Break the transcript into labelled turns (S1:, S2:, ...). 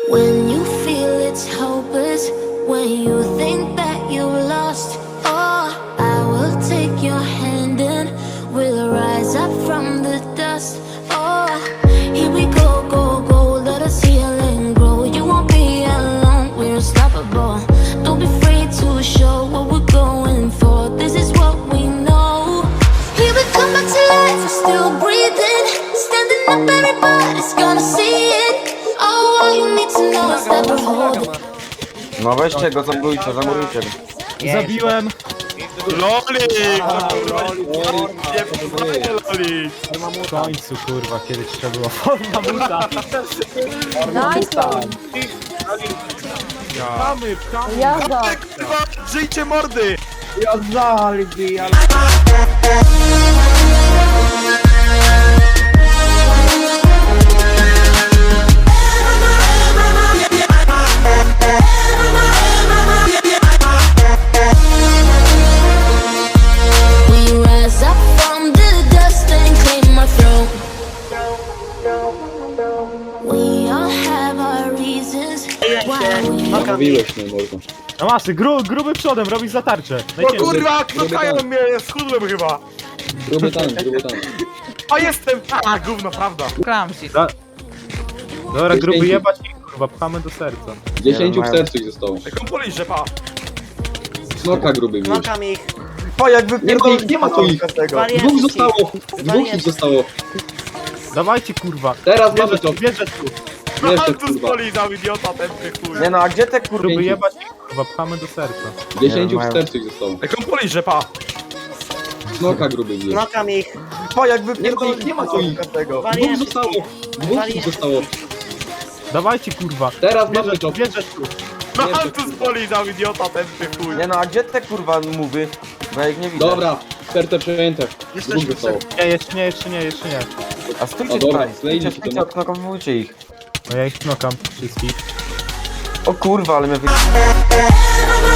S1: When you feel it's hopeless, when you think that you lost, oh, I will take your hand and we'll rise up from the dust. Oh, here we go, go, go, let us heal and grow. You won't be alone, we're unstoppable. Don't be afraid to show what we're going for. This is what we know. Here we come back to life, we're still breathing. Standing up, everybody's gonna see it. Oh, all you need to know is that we're holding.
S2: No weźcie go, zamurujcie, zamurujcie go.
S3: Zabiłem!
S4: Lolik!
S3: Lolik! W końcu kurwa, kiedyś trzeba było forma buta. Pchamy, pchamy!
S5: Jazda!
S4: Kurwa, żyjcie mordy!
S1: We rise up from the dust and claim our throne. We all have our reasons why we
S6: Mówiłeś mnie, mordo.
S3: No masy, gruby przodem, robisz zatarczę.
S4: O
S3: Najciężej.
S4: kurwa, knokają mnie, schudłem chyba!
S6: Gruby tam, gruby tam.
S4: A jestem! A, gówno, prawda.
S3: Dobra, gruby jebać i kurwa, pchamy do serca.
S6: 10 w sercu ich zostało.
S4: Jaką polisz, że pa!
S6: Snoka gruby już.
S7: Knokam ich.
S2: O, jakby
S6: Nie ma ich, nie ma tu ich.
S2: każdego.
S7: Wariatki.
S6: Dwóch zostało. Dwóch ich zostało.
S3: Dawajcie kurwa.
S6: Teraz mamy to.
S3: Bierze tu.
S4: No
S6: Jeszcze
S4: tu
S6: kurwa.
S4: spolizał, idiota, tępy chuj.
S2: Nie no, a gdzie te kurwy?
S3: Gruby jebać i kurwa, pchamy do serca.
S6: 10
S2: Nie,
S6: w
S2: mają.
S6: sercu ich zostało.
S4: Jaką polisz, że pa!
S6: Snoka gruby już.
S7: Knokam ich.
S2: O, jakby
S6: Nie ma tu ich.
S2: każdego.
S6: Dwóch zostało. Dwóch ich zostało.
S3: Dawajcie kurwa.
S6: Teraz mamy to.
S3: Bierze tu.
S4: No
S6: Jeszcze,
S4: tu spolizał, idiota, tępy chuj.
S2: Nie no, a gdzie te kurwa mówy? Bo ja ich nie widzę.
S6: Dobra, serce przejęte. Dwóch zostało.
S3: Nie, jeszcze nie.
S2: A stójcie
S6: O, dobra,
S2: tutaj,
S6: zlejcie
S2: stójcie,
S6: się
S2: stójcie,
S6: to.
S2: odknokowujcie ich.
S3: No ja ich knokam wszystkich.
S2: O kurwa, ale mnie wy...
S1: Everybody